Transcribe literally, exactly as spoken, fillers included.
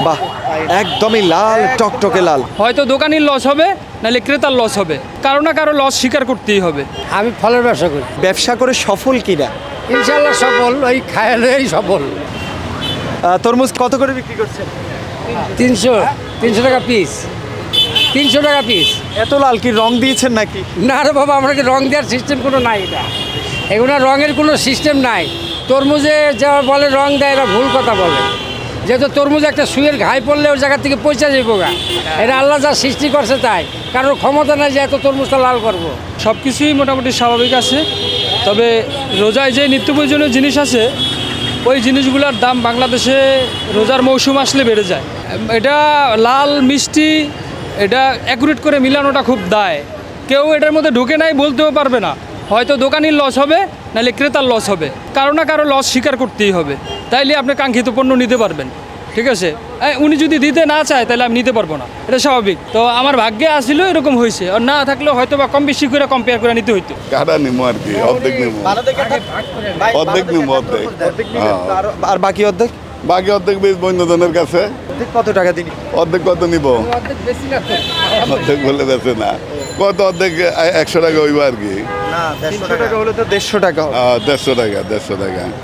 বাহ, একদমই লাল টকটকে লাল। হয়তো দোকানির লস হবে, নাহলে ক্রেতার লস হবে, কারো না কারো লস স্বীকার করতেই হবে। আমি ফলের ব্যবসা করি, ব্যবসা করে সফল কিনা? ইনশাল্লাহ সফল, ওই খায়ালেই সফল। আহ, তরমুজ কত করে বিক্রি করছেন? তিনশো তিনশো টাকা পিস, তিনশো টাকা পিস। এত লাল কি রং দিয়েছেন নাকি? না রে বাবা, আমরা কি রং দেওয়ার সিস্টেম কোনো নাই, এটা এগুলো রঙের কোনো সিস্টেম নাই। তরমুজে যা বলে রং দেয়, এরা ভুল কথা বলে। যেহেতু তরমুজ একটা সুয়ের ঘাই পড়লে ওই জায়গা থেকে পয়সা যাইব গা, এটা আল্লাহ যা সৃষ্টি করছে তাই, কারোর ক্ষমতা নাই যে এত তরমুজটা লাল করবো। সব কিছুই মোটামুটি স্বাভাবিক আছে, তবে রোজায় যে নিত্য প্রয়োজনীয় জিনিস আছে ওই জিনিসগুলোর দাম বাংলাদেশে রোজার মৌসুম আসলে বেড়ে যায়। এটা লাল মিষ্টি, এটা অ্যাকুরেট করে মিলানোটা খুব দায়। কেউ এটার মধ্যে ঢুকে নাই বলতেও পারবে না। হয়তো দোকানির লস হবে, নাহলে ক্রেতার লস হবে, কারো না কারো লস স্বীকার করতেই হবে। তাইলে আপনি কাঙ্ক্ষিত পণ্য নিতে পারবেন। ঠিক আছে, এই, উনি যদি দিতে না চায় তাহলে আমি নিতে পারবো না, এটা স্বাভাবিক। তো আমার ভাগ্যে আসছিল এরকম হয়েছে, আর না থাকলেও হয়তো বা কম বেশি করে কম্পেয়ার করে নিতে হইতো। কাটা নিবো আর কি, অর্ধেক নিবো, অর্ধেক নিবো, অর্ধেক। হ্যাঁ। আর- আর বাকি অর্ধেক? বাকি অর্ধেক বেশ বন্ধুজনের কাছে। অর্ধেক কত টাকা দিন? অর্ধেক কত নিবো? অর্ধেক বলে বেছে না, কত অর্ধেক এ- একশো টাকা হইব আর কি। না, দেড়শো টাকা হলে তো দেড়শো টাকা হবে। আহ, দেড়শো টাকা, দেড়শো টাকা।